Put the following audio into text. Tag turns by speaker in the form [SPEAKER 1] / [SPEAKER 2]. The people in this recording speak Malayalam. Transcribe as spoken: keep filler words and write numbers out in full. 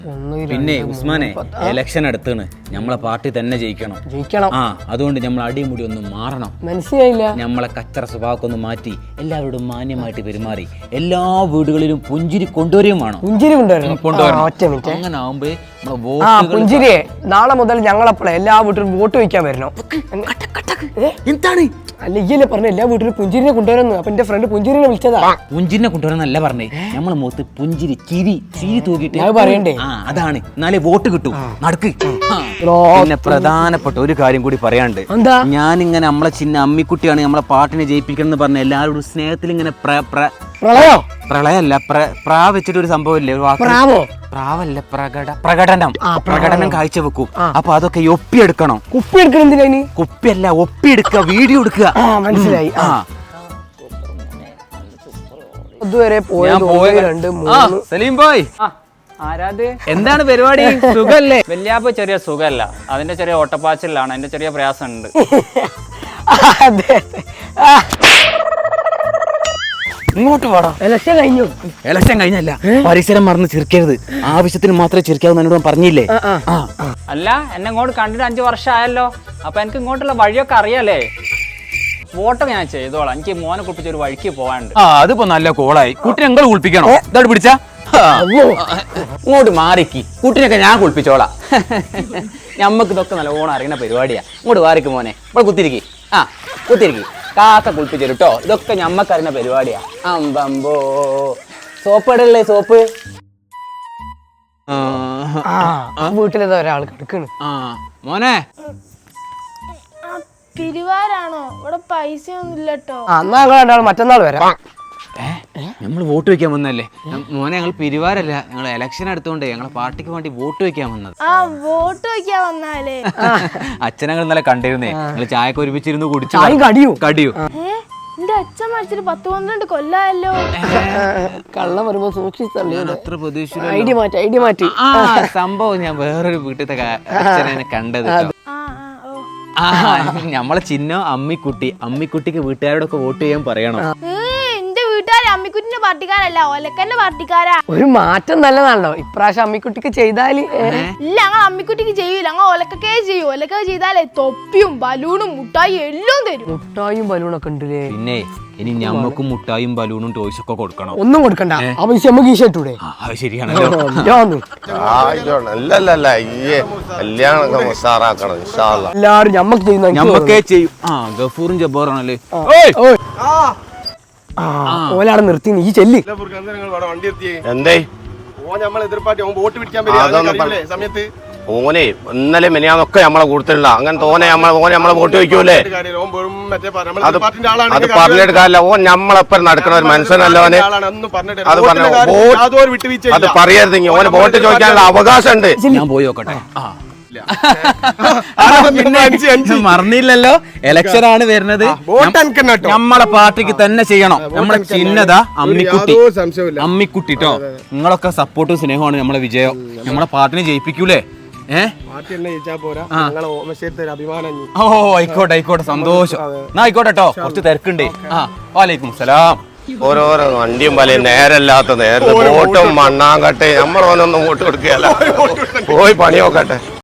[SPEAKER 1] പിന്നെ ഉസ്മാനെ ഇലക്ഷൻ അടുത്താണ്, നമ്മളെ പാർട്ടി തന്നെ ജയിക്കണം
[SPEAKER 2] ജയിക്കണം
[SPEAKER 1] ആ അതുകൊണ്ട് നമ്മൾ അടിമുടി ഒന്ന് മാറണം.
[SPEAKER 2] മനസ്സിലായില്ല.
[SPEAKER 1] നമ്മളെ കച്ചറ സ്വഭാവമൊക്കെ ഒന്ന് മാറ്റി എല്ലാവരോടും മാന്യമായിട്ട് പെരുമാറി എല്ലാ വീടുകളിലും പുഞ്ചിരി കൊണ്ടുവരികയും വേണം.
[SPEAKER 2] പുഞ്ചിരി കൊണ്ടുവരണം.
[SPEAKER 1] അങ്ങനെ ആവുമ്പോ
[SPEAKER 2] പുഞ്ചിരിയെ നാളെ മുതൽ ഞങ്ങളപ്പോഴേ എല്ലാ വീട്ടിലും വോട്ട് വയ്ക്കാൻ വരണം.
[SPEAKER 1] എന്താണ്
[SPEAKER 2] അല്ല ഈയല്ലേ പറഞ്ഞ എല്ലാ വീട്ടിലും പുഞ്ചിരിനെ കൊണ്ടുവരുന്നു. അപ്പൊ എന്റെ ഫ്രണ്ട് പുഞ്ചിരിനെ വിളിച്ചതാ.
[SPEAKER 1] പുഞ്ചിരിനെ കൊണ്ടുവരാന്നല്ല പറഞ്ഞേ, നമ്മളെ മുഖത്ത് പുഞ്ചിരി ചിരി ചിരി തൂക്കിട്ട്
[SPEAKER 2] പറയണ്ടേ.
[SPEAKER 1] ആ അതാണ്, എന്നാലേ വോട്ട് കിട്ടും. നടക്ക്. പിന്നെ പ്രധാനപ്പെട്ട ഒരു കാര്യം കൂടി പറയാണ്ട്,
[SPEAKER 2] എന്താ
[SPEAKER 1] ഞാനിങ്ങനെ നമ്മളെ ചിന്ന അമ്മിക്കുട്ടിയാണ് നമ്മളെ പാട്ടിനെ ജയിപ്പിക്കണം എന്ന് പറഞ്ഞ എല്ലാവരോടും സ്നേഹത്തിൽ ഇങ്ങനെ
[SPEAKER 2] പ്രളയോ
[SPEAKER 1] പ്രളയല്ല പ്രാ വെച്ചിട്ട് ഒരു സംഭവം ഇല്ലേ, ഒരു വാക്ക് പ്രാവല്ല പ്രകട പ്രകടനം പ്രകടനം കാഴ്ചവെക്കും. അപ്പൊ അതൊക്കെ ഒപ്പിയെടുക്കണം.
[SPEAKER 2] കുപ്പി എടുക്കണം. എന്തിനാ?
[SPEAKER 1] കുപ്പിയല്ല, ഒപ്പിയെടുക്കുക, വീഡിയോ എടുക്കുക.
[SPEAKER 2] മനസ്സിലായി. ഇതുവരെ സലീം ബോയ്
[SPEAKER 3] ആരാത്?
[SPEAKER 1] എന്താണ് പരിപാടി? സുഖല്ലേ?
[SPEAKER 3] വല്യാപ്പ ചെറിയ സുഖല്ല, അതിന്റെ ചെറിയ ഓട്ടപ്പാച്ചിലാണ്, അതിന്റെ ചെറിയ പ്രയാസമുണ്ട്.
[SPEAKER 1] ഇങ്ങോട്ട് വേടാ.
[SPEAKER 2] ഇലക്ഷൻ കഴിഞ്ഞു.
[SPEAKER 1] ഇലക്ഷൻ കഴിഞ്ഞല്ല, പരിസരം മറന്ന് ചിരിക്കരുത്. ആവശ്യത്തിന് മാത്രമേ ചിരിക്കാവൂ എന്നോട് പറഞ്ഞില്ലേ?
[SPEAKER 3] അല്ല, എന്നെ ഇങ്ങോട്ട് കണ്ടിട്ട് അഞ്ചു വർഷം ആയല്ലോ. അപ്പൊ എനിക്ക് ഇങ്ങോട്ടുള്ള വഴിയൊക്കെ അറിയാലേ. വോട്ടൊക്കെ ഞാൻ ചെയ്തോളാം. എനിക്ക് മോനെ കുളിപ്പിച്ച ഒരു വഴിക്ക് പോകാനുണ്ട്.
[SPEAKER 1] ആ അതിപ്പോ നല്ല കോളായി. കുട്ടിനെ നിങ്ങൾ കുളിപ്പിക്കണോ? ഇതോട് പിടിച്ച ഇങ്ങോട്ട് മാറിക്ക്. കുട്ടിനൊക്കെ ഞാൻ കുളിപ്പിച്ചോളാം. ഞമ്മക്ക് ഇതൊക്കെ നല്ല ഓണം അറിയുന്ന പരിപാടിയാ. ഇങ്ങോട്ട് മാറിക്ക് മോനെ. ഇവിടെ കുത്തിരിക്കി. ആ കുത്തിരിക്കി. കാക്ക കുളിപ്പിച്ചു കേട്ടോ. ഇതൊക്കെ ഞമ്മക്ക് അറിയുന്ന പരിപാടിയാ. അമ്പമ്പോ സോപ്പ് ഇടല്ലേ? സോപ്പ്
[SPEAKER 2] വീട്ടിലേതാ ഒരാൾ കിടക്കണ്.
[SPEAKER 1] ആ മോനെ
[SPEAKER 4] പിരിവാരാണോ? ഇവിടെ പൈസ ഒന്നും ഇല്ലട്ടോ.
[SPEAKER 2] എന്നാ മറ്റന്നാൾ വരാം.
[SPEAKER 1] നമ്മൾ വോട്ട് വെക്കാൻ വന്നല്ലേ മോനെ? ഞങ്ങൾ പിരിവാരല്ല, ഞങ്ങൾ ഇലക്ഷൻ എടുത്തോണ്ട് ഞങ്ങളെ പാർട്ടിക്ക് വേണ്ടി വോട്ട് വെക്കാൻ വന്നത്.
[SPEAKER 4] ആ വോട്ട് വെക്കാൻ വന്നാലേ.
[SPEAKER 1] അച്ഛനങ്ങൾ ഇന്നലെ കണ്ടിരുന്നേ, ഞങ്ങൾ ചായക്ക് ഒരുമിച്ചിരുന്ന് കുടിച്ചു.
[SPEAKER 2] കടിയോ
[SPEAKER 1] കടിയോ
[SPEAKER 4] എന്റെ അച്ഛൻ മരിച്ചിട്ട് പത്ത് പന്ത്രണ്ട് കൊല്ലായല്ലോ.
[SPEAKER 2] കള്ളം വരുമ്പോ സൂക്ഷിച്ചല്ലേ.
[SPEAKER 1] അത്ര പ്രതീക്ഷ
[SPEAKER 2] ഐഡിയ മാറ്റി ഐഡിയ മാറ്റി
[SPEAKER 1] സംഭവം ഞാൻ വേറൊരു വീട്ടിലത്തെ അച്ഛനെ കണ്ടത്. ആ നമ്മളെ ചിഹ്നം അമ്മിക്കുട്ടി. അമ്മിക്കുട്ടിക്ക് വീട്ടുകാരോടൊക്കെ വോട്ട് ചെയ്യാൻ പറയണം.
[SPEAKER 4] എന്റെ വീട്ടുകാര് അമ്മിക്കുട്ടിന്റെ പാർട്ടിക്കാരല്ല, ഒലക്കന്റെ പാർട്ടിക്കാരാ.
[SPEAKER 2] ഒരു മാറ്റം നല്ലതാണല്ലോ ഇപ്രാവശ്യം അമ്മിക്കുട്ടിക്ക് ചെയ്താല്.
[SPEAKER 4] ഇല്ല, ഞങ്ങൾ അമ്മിക്കുട്ടിക്ക് ചെയ്യൂല, ഞങ്ങൾ ഒലക്കേ ചെയ്യൂ. ഒലക്ക ചെയ്താലേ തൊപ്പിയും ബലൂണും മുട്ടായി എല്ലാം തരും.
[SPEAKER 2] മുട്ടായും ബലൂണൊക്കെ ഉണ്ടല്ലേ?
[SPEAKER 1] പിന്നെ ഇനി ഞമ്മക്കും മുട്ടായും ബലൂണും ടോയ്സ് ഒക്കെ കൊടുക്കണം.
[SPEAKER 2] ഒന്നും കൊടുക്കണ്ട. ആ പൈസ നമുക്ക് ഈശോട്ടൂടെ?
[SPEAKER 1] അത് ശരിയാണല്ലോ.
[SPEAKER 2] എല്ലാരും ഞമ്മക്ക് ചെയ്യുന്ന
[SPEAKER 1] ഞമ്മക്കേ ചെയ്യും. ആ ഗഫൂറും ജബ്ബാറാണല്ലേ.
[SPEAKER 2] ഓലാണ് നിർത്തി. നീ ചെല്ലി.
[SPEAKER 5] എന്തേ ഓനെ ഇന്നലെ മെനിയാന്നൊക്കെ നമ്മളെ കൊടുത്തില്ല. അങ്ങനെ തോനെ നമ്മളെ ഓനെ നമ്മളെ വോട്ട് വയ്ക്കൂലേ? അത് അത് പറഞ്ഞെടുക്കാല്ല. ഓൻ നമ്മളെപ്പം നടക്കണ ഒരു മനുഷ്യനല്ലോ ഓനെ. അത് പറഞ്ഞു അത് പറയരുതെങ്കിൽ ഓന് വോട്ട് ചോദിക്കാനുള്ള അവകാശം ഉണ്ട്.
[SPEAKER 1] ഞാൻ പോയി നോക്കട്ടെ. മറന്നില്ലല്ലോ, ഇലക്ഷൻ ആണ് വരുന്നത്. നമ്മളെ പാർട്ടിക്ക് തന്നെ ചെയ്യണം. നമ്മളെ ചിഹ്നത അമ്മിക്കുട്ടി. അമ്മിക്കുട്ടി ട്ടോ. നിങ്ങളൊക്കെ സപ്പോർട്ടും സ്നേഹമാണ് നമ്മളെ വിജയം. നമ്മളെ പാർട്ടിനെ ജയിപ്പിക്കൂലേ? ഓ ആയിക്കോട്ടെ ആയിക്കോട്ടെ, സന്തോഷം. എന്നാ ആയിക്കോട്ടെ കേട്ടോ, കുറച്ച് തിരക്കുണ്ട്. ആ വാലൈക്കും സലാം.
[SPEAKER 5] ഓരോരോ വണ്ടിയും പല നേരല്ലാത്ത നേരത്തെ വോട്ടും മണ്ണാങ്കട്ടെ. നമ്മളോനൊന്നും വോട്ട് കൊടുക്കുകയല്ല. പോയി പണി നോക്കട്ടെ.